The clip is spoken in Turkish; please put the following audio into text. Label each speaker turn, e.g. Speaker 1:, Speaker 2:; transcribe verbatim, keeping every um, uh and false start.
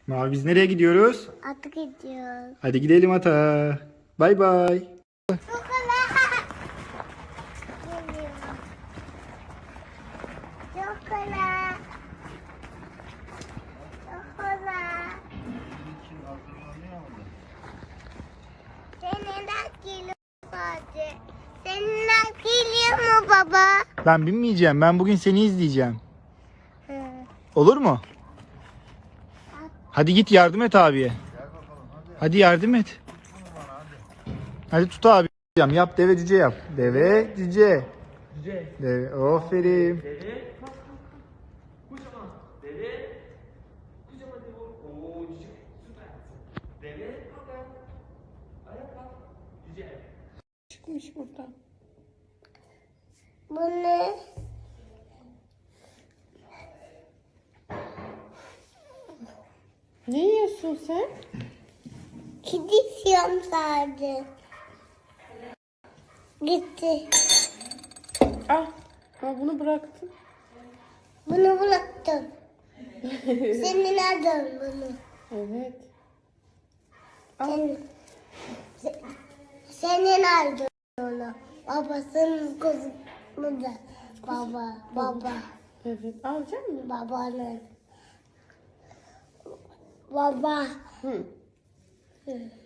Speaker 1: Mavi biz nereye gidiyoruz?
Speaker 2: Ata gidiyoruz.
Speaker 1: Hadi gidelim ata. Bay bay.
Speaker 2: Çokolat. Geliyor. Çokolat. Çokolat. Seninle geliyor sadece. Seninle geliyor mu baba?
Speaker 1: Ben binmeyeceğim. Ben bugün seni izleyeceğim.
Speaker 2: Hı.
Speaker 1: Olur mu? Hadi git yardım et abiye. Hadi yardım et. Hadi tut abi. Yap deve cüce yap. Deve cüce.
Speaker 3: Cüce.
Speaker 1: Deve. Aferin.
Speaker 3: Deve. Kalk kalk kalk. Kocaman. Deve. Kocaman deve. Oo cüce. Süper. Deve. Kalk ayağa. Ayağa kalk. Cüce.
Speaker 4: Çıkmış buradan.
Speaker 2: Bu ne?
Speaker 4: Ne yiyorsun sen?
Speaker 2: Kedi istiyorum sadece. Gitti.
Speaker 4: Ah, ha bunu bıraktım.
Speaker 2: Bunu bıraktım. Senin adın bunu.
Speaker 4: Evet.
Speaker 2: Senin, se- senin adın onu. Babasının kızı da. Baba, baba,
Speaker 4: Evet. Alacak mısın?
Speaker 2: babanın. Baba.
Speaker 4: Hı.
Speaker 2: Hı.